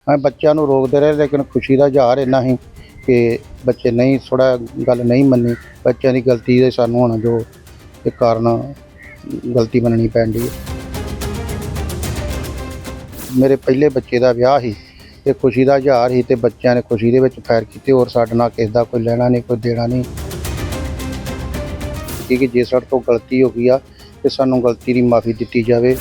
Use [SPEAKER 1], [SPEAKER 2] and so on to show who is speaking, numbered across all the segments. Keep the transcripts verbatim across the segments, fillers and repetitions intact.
[SPEAKER 1] मैं बच्चों को रोकते रहे, लेकिन खुशी का इजहार इन्ना ही कि बच्चे नहीं थोड़ा गल नहीं मनी। बच्चों की गलती दे सानू हुण जो इक कारण गलती मननी पैंदी है। मेरे पहले बच्चे का विआह ही ते खुशी का इजहार ही, ते बच्चों ने खुशी दे विच फैर कीते, और साडे नाल किसी दा कोई लैना नहीं, कोई देना नहीं। कि जे साडे तो गलती हो गई आ ते सानू गलती की माफ़ी दित्ती जावे।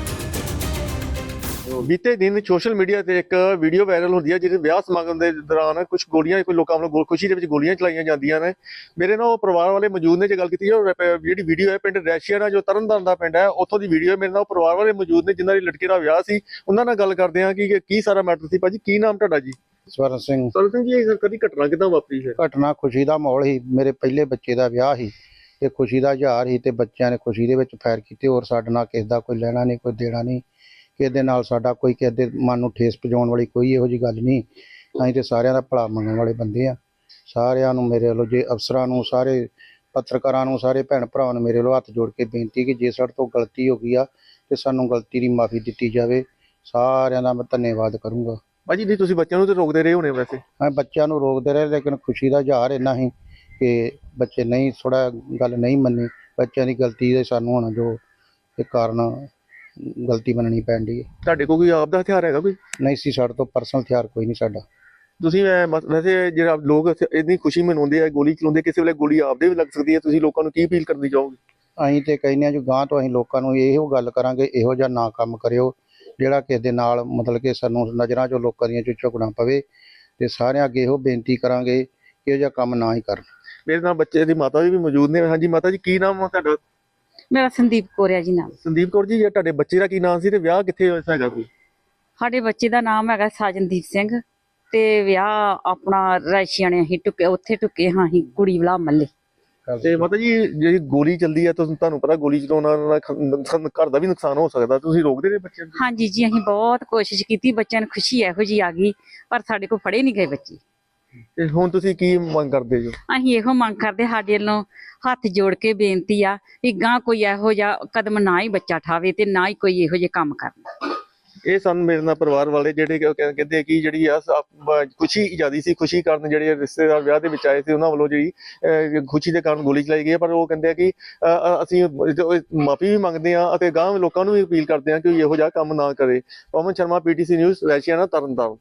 [SPEAKER 2] बीते दिन सोशल मीडिया ਤੇ ਇੱਕ ਵੀਡੀਓ ਵਾਇਰਲ ਹੁੰਦੀ ਹੈ ਜਿਹਦੇ ਵਿਆਹ ਸਮਾਗਮ ਦੇ ਦੌਰਾਨ ਕੁਝ ਗੋਲੀਆਂ ਕੋਈ ਲੋਕਾਂ ਵੱਲੋਂ ਖੁਸ਼ੀ ਦੇ ਵਿੱਚ ਗੋਲੀਆਂ ਚਲਾਈਆਂ ਜਾਂਦੀਆਂ ਨੇ। ਮੇਰੇ ਨਾਲ ਉਹ ਪਰਿਵਾਰ ਵਾਲੇ ਮੌਜੂਦ ਨੇ, ਜੇ ਗੱਲ ਕੀਤੀ ਹੈ ਜਿਹੜੀ ਵੀਡੀਓ ਹੈ ਪਿੰਡ ਰੈਸ਼ੀਆਣਾ ਜੋ ਤਰਨਤਾਰਨ ਦਾ ਪਿੰਡ ਹੈ ਉੱਥੋਂ ਦੀ ਵੀਡੀਓ। ਮੇਰੇ ਨਾਲ ਉਹ ਪਰਿਵਾਰ ਵਾਲੇ ਮੌਜੂਦ ਨੇ ਜਿਨ੍ਹਾਂ ਦੀ ਲੜਕੀ ਦਾ ਵਿਆਹ ਸੀ, ਉਹਨਾਂ ਨਾਲ ਗੱਲ ਕਰਦੇ ਹਾਂ ਕਿ ਕੀ ਸਾਰਾ ਮੈਟਰ ਸੀ। ਭਾਜੀ ਕੀ ਨਾਮ ਤੁਹਾਡਾ ਜੀ?
[SPEAKER 1] ਸਵਰਨ ਸਿੰਘ।
[SPEAKER 2] ਸਵਰਨ ਸਿੰਘ ਜੀ, ਇਹ ਕਦੀ ਘਟਨਾ ਕਿੱਦਾਂ ਵਾਪਰੀ ਹੈ?
[SPEAKER 1] ਘਟਨਾ खुशी का माहौल ही, मेरे पहले बच्चे का विआह ही ते खुशी का इजहार ही, ते बच्चों ने खुशी दे विच फैर कीते, और साडे नाल किसी दा कोई लैना नहीं, कोई देना नहीं। किसी दे नाल साडा कोई किसी दे मन नूं ठेस पहुंचाउण वाली कोई इहो जी गल नहीं। असीं ते सारिआं दा भला मंगण वाले बंदे आ। सारिआं नूं मेरे वल्लों, जे अफसरां नूं, सारे पत्रकारां नूं, सारे भैण भरावां नूं मेरे वल्लों हत्थ जोड़ के बेनती कि जे साडे तों गलती हो गई आ ते सानूं गलती दी माफ़ी दित्ती जावे। सारिआं दा मैं धन्नवाद करूँगा।
[SPEAKER 2] ਭਾਜੀ ਨਹੀਂ ਤੁਸੀਂ ਬੱਚਿਆਂ ਨੂੰ ਤੇ ਰੋਕਦੇ ਰਹੇ ਹੋਣੇ ਵੈਸੇ?
[SPEAKER 1] मैं बच्चों को रोकते रहे, लेकिन खुशी का इजहार इन्ना ही कि बच्चे नहीं थोड़ा गल नहीं मनी। बच्चों की गलती दे सानू हुण जो इक कारण गलती मननी पैंदी है।
[SPEAKER 2] ਤੁਹਾਡੇ ਕੋਲ ਕੋਈ ਆਪ ਦਾ ਹਥਿਆਰ ਹੈਗਾ ਕੋਈ?
[SPEAKER 1] नहीं सी साडे तो परसनल हथियार कोई नहीं साडा।
[SPEAKER 2] ਤੁਸੀਂ ਅਹ, ਮਤ- ਵੈਸੇ ਜਿਹੜਾ ਲੋਕ ਇੱਥੇ ਇੰਨੀ ਖੁਸ਼ੀ ਮਨਾਉਂਦੇ ਆ, ਗੋਲੀ ਚਲਾਉਂਦੇ, ਕਿਸੇ ਵੇਲੇ ਗੋਲੀ ਆਪਦੇ ਵੀ ਲੱਗ ਸਕਦੀ ਹੈ। ਤੁਸੀਂ ਲੋਕਾਂ ਨੂੰ ਕੀ ਅਪੀਲ ਕਰਨੀ ਚਾਹੋਗੇ?
[SPEAKER 1] ਅਸੀਂ ਤੇ ਕਹਿੰਦੇ ਹਾਂ जो गांह तो ਅਸੀਂ ਲੋਕਾਂ ਨੂੰ ਇਹੋ ਗੱਲ ਕਰਾਂਗੇ, ਇਹੋ ਜਿਹਾ ਨਾ ਕੰਮ ਕਰਿਓ ਜਿਹੜਾ ਕਿਸੇ ਦੇ ਨਾਲ ਮਤਲਬ ਕਿ ਸਾਨੂੰ ਨਜ਼ਰਾਂ 'ਚੋਂ ਲੋਕਾਂ ਦੀਆਂ 'ਚੋਂ ਝੁਕਣਾ ਪਵੇ, ਤੇ ਸਾਰਿਆਂ ਅੱਗੇ ਇਹੋ ਬੇਨਤੀ ਕਰਾਂਗੇ ਕਿ ਇਹੋ ਜਿਹਾ ਕੰਮ ਨਾ ਹੀ ਕਰਨ।
[SPEAKER 2] ਮੇਰੇ ਨਾਲ ਬੱਚੇ ਦੀ ਮਾਤਾ ਜੀ ਵੀ ਮੌਜੂਦ ਨੇ। ਹਾਂਜੀ ਮਾਤਾ ਜੀ, ਕੀ ਨਾਮ ਆ ਤੁਹਾਡਾ?
[SPEAKER 3] ਮੇਰਾ ਸੰਦੀਪ ਕੌਰ ਆ ਜੀ ਨਾਮ।
[SPEAKER 2] ਸੰਦੀਪ ਕੌਰ ਜੀ, ਇਹ ਤੁਹਾਡੇ ਬੱਚੇ ਦਾ ਕੀ ਨਾਮ ਸੀ ਤੇ ਵਿਆਹ ਕਿੱਥੇ ਹੋਇਆ ਹੈਗਾ ਕੋਈ?
[SPEAKER 3] ਸਾਡੇ ਬੱਚੇ ਦਾ ਨਾਮ ਹੈਗਾ ਸਾਜਨਦੀਪ ਸਿੰਘ, ਤੇ ਵਿਆਹ ਆਪਣਾ ਰਾਸ਼ੀਆਣੇ ਅਸੀਂ ਟੁੱਕੇ ਉੱਥੇ ਟੁੱਕੇ ਹਾਂ ਅਸੀਂ ਕੁੜੀ ਵਾਲਾ ਮੱਲੇ।
[SPEAKER 2] ਤੇ ਮਾਤਾ ਜੀ, ਜਿਹੜੀ ਗੋਲੀ ਚੱਲਦੀ ਹੈ ਤੁਸੀਂ ਤੁਹਾਨੂੰ ਪਤਾ ਗੋਲੀ ਚਲਾਉਣ ਨਾਲ ਖ- ਨੁਕਸਾਨ- ਘਰ ਦਾ ਵੀ ਨੁਕਸਾਨ ਹੋ ਸਕਦਾ, ਤੁਸੀਂ ਰੋਕਦੇ ਨੇ ਬੱਚਿਆਂ ਨੂੰ?
[SPEAKER 3] ਹਾਂਜੀ ਜੀ, ਅਸੀਂ ਬਹੁਤ ਕੋਸ਼ਿਸ਼ ਕੀਤੀ, ਬੱਚਿਆਂ ਨੂੰ ਖੁਸ਼ੀ ਇਹੋ ਜੀ ਆ ਗਈ, ਪਰ ਸਾਡੇ ਕੋਲ ਫੜੇ ਨਹੀਂ ਗਏ ਬੱਚੇ।
[SPEAKER 2] ਤੇ ਹੁਣ ਤੁਸੀਂ ਕੀ ਮੰਗ ਕਰਦੇ ਜੋ?
[SPEAKER 3] ਅਸੀਂ ਇਹੋ ਮੰਗ ਕਰਦੇ, ਸਾਡੇ ਵੱਲੋਂ ਹੱਥ ਜੋੜ ਕੇ ਬੇਨਤੀ ਆ ਵੀ ਗਾਂ ਕੋਈ ਇਹੋ ਜਿਹਾ ਕਦਮ ਨਾ ਹੀ ਬੱਚਾ ਠਾਵੇ ਤੇ ਨਾ ਹੀ ਕੋਈ ਇਹੋ ਜਿਹੇ ਕੰਮ ਕਰਨ।
[SPEAKER 2] ਇਹ ਸਨ ਮੇਰੇ ਨਾਲ ਪਰਿਵਾਰ ਵਾਲੇ ਜਿਹੜੇ ਕਿ ਕਹਿ- ਕਹਿੰਦੇ ਕਿ ਜਿਹੜੀ ਆ ਸ- ਬ- ਖੁਸ਼ੀ ਜ਼ਿਆਦੀ ਸੀ, ਖੁਸ਼ੀ ਕਾਰਨ ਜਿਹੜੇ ਰਿਸ਼ਤੇਦਾਰ ਵਿਆਹ ਦੇ ਵਿੱਚ ਆਏ ਸੀ ਉਹਨਾਂ ਵੱਲੋਂ ਜਿਹੜੀ ਅਹ, ਖੁਸ਼ੀ ਦੇ ਕਾਰਨ ਗੋਲੀ ਚਲਾਈ ਗਈ ਹੈ। ਪਰ ਉਹ ਕਹਿੰਦੇ ਆ ਕਿ ਅਹ, ਅਹ, ਅਸੀਂ ਮਾਫੀ ਵੀ ਮੰਗਦੇ ਆ ਅਤੇ ਗਾਂਹ ਲੋਕਾਂ ਨੂੰ ਵੀ ਅਪੀਲ ਕਰਦੇ ਆ ਕਿ ਇਹੋ ਜਿਹਾ ਕੰਮ ਨਾ ਕਰੇ। Pawan Sharma, PTC news, Raishiana, Tarn Taran.